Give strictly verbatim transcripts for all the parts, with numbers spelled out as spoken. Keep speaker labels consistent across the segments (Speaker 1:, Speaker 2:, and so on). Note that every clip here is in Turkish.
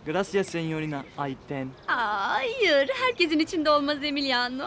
Speaker 1: Gracias, señorina Ayten.
Speaker 2: Hayır, herkesin içinde olmaz Emiliano.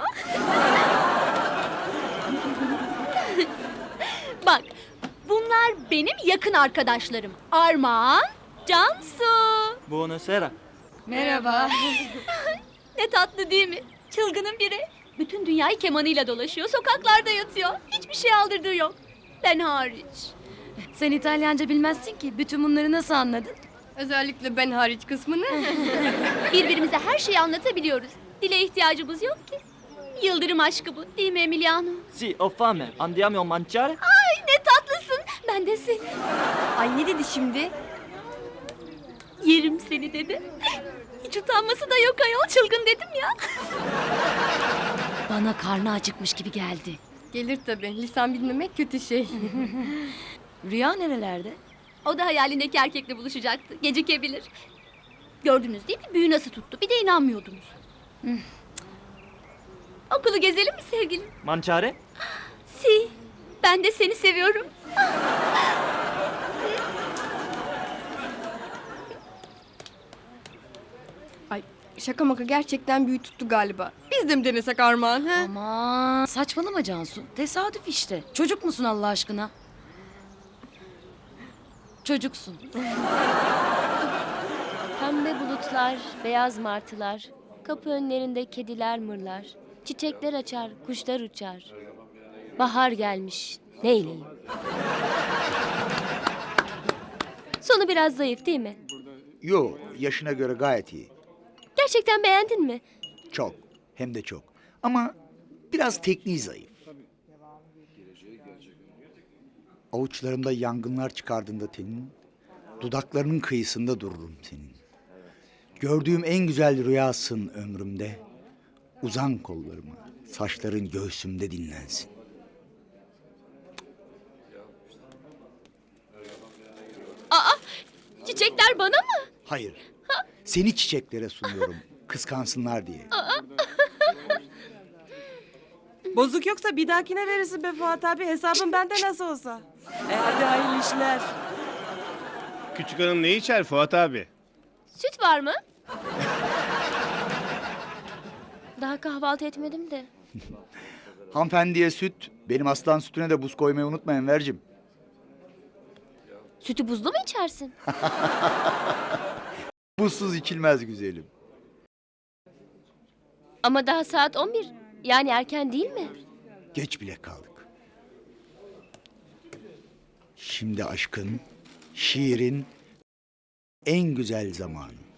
Speaker 2: Bak, bunlar benim yakın arkadaşlarım. Armağan, Cansu.
Speaker 1: Buonasera.
Speaker 3: Merhaba.
Speaker 2: Ne tatlı değil mi? Çılgının biri. Bütün dünyayı kemanıyla dolaşıyor, sokaklarda yatıyor. Hiçbir şey aldırdığı yok. Ben hariç.
Speaker 3: Sen İtalyanca bilmezsin ki. Bütün bunları nasıl anladın?
Speaker 4: Özellikle ben hariç kısmını.
Speaker 2: Birbirimize her şeyi anlatabiliyoruz. Dile ihtiyacımız yok ki. Yıldırım aşkı bu, değil mi Emiliano?
Speaker 1: Si, ho fame. Andiamo a mangiare?
Speaker 2: Ay ne tatlısın. Ben de seni.
Speaker 4: Ay ne dedi şimdi?
Speaker 2: Yerim seni dedi. Hiç utanması da yok ayol, çılgın dedim ya.
Speaker 3: Bana karnı acıkmış gibi geldi.
Speaker 4: Gelir tabii. Lisan bilmemek kötü şey.
Speaker 3: Rüya nerelerde?
Speaker 2: O da hayalindeki erkekle buluşacaktı. Gecikebilir. Gördünüz değil mi? Büyü nasıl tuttu? Bir de inanmıyordunuz. Okulu gezelim mi sevgilim?
Speaker 1: Mangiare?
Speaker 2: Si. Ben de seni seviyorum.
Speaker 4: Ay şaka maka gerçekten büyü tuttu galiba. Biz de mi denesek Armağan? He?
Speaker 3: Aman saçmalama Cansu. Tesadüf işte. Çocuk musun Allah aşkına? Çocuksun.
Speaker 5: Pembe bulutlar, beyaz martılar, kapı önlerinde kediler mırlar, çiçekler açar, kuşlar uçar. Bahar gelmiş, neyleyim? Sonu biraz zayıf değil mi?
Speaker 6: Yo, yaşına göre gayet iyi.
Speaker 5: Gerçekten beğendin mi?
Speaker 6: Çok, hem de çok. Ama biraz tekniği zayıf. Avuçlarımda yangınlar çıkardığında tenin, dudaklarının kıyısında dururum senin. Gördüğüm en güzel rüyasın ömrümde. Uzan kollarıma, saçların göğsümde dinlensin.
Speaker 2: Çiçekler bana mı?
Speaker 6: Hayır, seni çiçeklere sunuyorum, kıskansınlar diye.
Speaker 7: Bozuk yoksa bir dahakine verirsin be Fuat abi. Hesabın bende nasıl olsa. E hadi hayırlı işler.
Speaker 8: Küçük hanım ne içer Fuat abi?
Speaker 5: Süt var mı? Daha kahvaltı etmedim de.
Speaker 6: Hanımefendiye süt, benim aslan sütüne de buz koymayı unutma Enver'cim.
Speaker 5: Sütü buzlu mu içersin?
Speaker 6: Buzsuz içilmez güzelim.
Speaker 5: Ama daha saat on bir. Yani erken değil mi?
Speaker 6: Geç bile kaldık. Şimdi aşkın, şiirin en güzel zamanı.